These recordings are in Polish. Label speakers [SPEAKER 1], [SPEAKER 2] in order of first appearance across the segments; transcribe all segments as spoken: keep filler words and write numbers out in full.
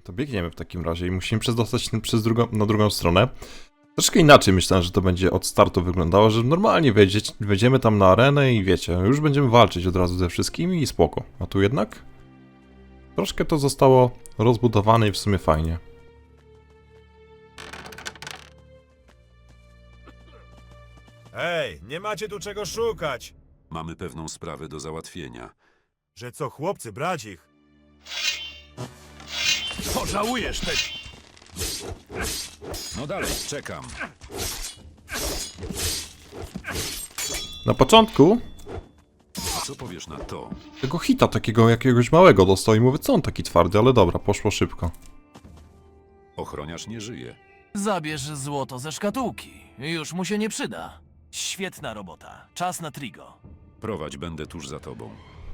[SPEAKER 1] To biegniemy w takim razie i musimy przedostać się przez drugą, na drugą stronę. Troszkę inaczej myślałem, że to będzie od startu wyglądało, że normalnie wejdzie, wejdziemy tam na arenę i wiecie, już będziemy walczyć od razu ze wszystkimi i spoko. A tu jednak troszkę to zostało rozbudowane i w sumie fajnie.
[SPEAKER 2] Ej, nie macie tu czego szukać!
[SPEAKER 3] Mamy pewną sprawę do załatwienia.
[SPEAKER 2] Że co, chłopcy, brać ich?
[SPEAKER 4] Pożałujesz tego!
[SPEAKER 3] No dalej, czekam.
[SPEAKER 1] Na początku
[SPEAKER 3] A co powiesz na to?
[SPEAKER 1] tego hita takiego jakiegoś małego dostał i mówię, co on taki twardy, ale dobra, poszło szybko.
[SPEAKER 3] Ochroniarz nie żyje.
[SPEAKER 4] Zabierz złoto ze szkatułki. Już mu się nie przyda. Świetna robota. Czas na Trigo.
[SPEAKER 3] Prowadź, będę tuż za tobą.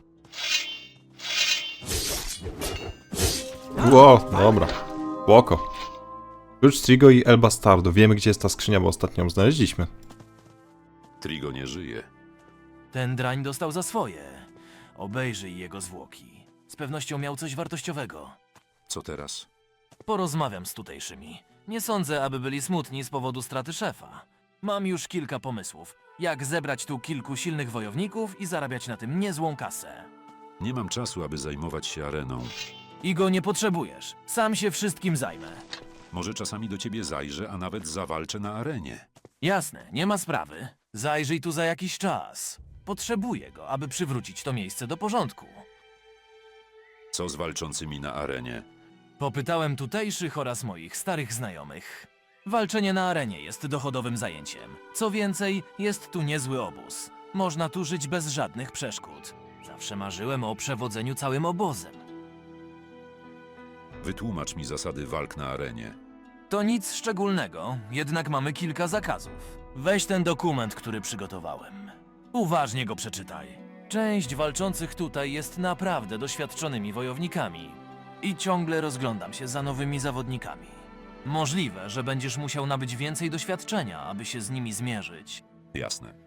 [SPEAKER 1] Ło, dobra, spoko. Klucz Trigo i El Bastardo. Wiemy, gdzie jest ta skrzynia, bo ostatnio ją znaleźliśmy.
[SPEAKER 3] Trigo nie żyje.
[SPEAKER 4] Ten drań dostał za swoje. Obejrzyj jego zwłoki. Z pewnością miał coś wartościowego.
[SPEAKER 3] Co teraz?
[SPEAKER 4] Porozmawiam z tutejszymi. Nie sądzę, aby byli smutni z powodu straty szefa. Mam już kilka pomysłów, jak zebrać tu kilku silnych wojowników i zarabiać na tym niezłą kasę.
[SPEAKER 3] Nie mam czasu, aby zajmować się areną.
[SPEAKER 4] I go nie potrzebujesz. Sam się wszystkim zajmę.
[SPEAKER 3] Może czasami do ciebie zajrzę, a nawet zawalczę na arenie.
[SPEAKER 4] Jasne, nie ma sprawy. Zajrzyj tu za jakiś czas. Potrzebuję go, aby przywrócić to miejsce do porządku.
[SPEAKER 3] Co z walczącymi na arenie?
[SPEAKER 4] Popytałem tutejszych oraz moich starych znajomych. Walczenie na arenie jest dochodowym zajęciem. Co więcej, jest tu niezły obóz. Można tu żyć bez żadnych przeszkód. Zawsze marzyłem o przewodzeniu całym obozem.
[SPEAKER 3] Wytłumacz mi zasady walk na arenie.
[SPEAKER 4] To nic szczególnego, jednak mamy kilka zakazów. Weź ten dokument, który przygotowałem. Uważnie go przeczytaj. Część walczących tutaj jest naprawdę doświadczonymi wojownikami. I ciągle rozglądam się za nowymi zawodnikami. Możliwe, że będziesz musiał nabyć więcej doświadczenia, aby się z nimi zmierzyć.
[SPEAKER 3] Jasne.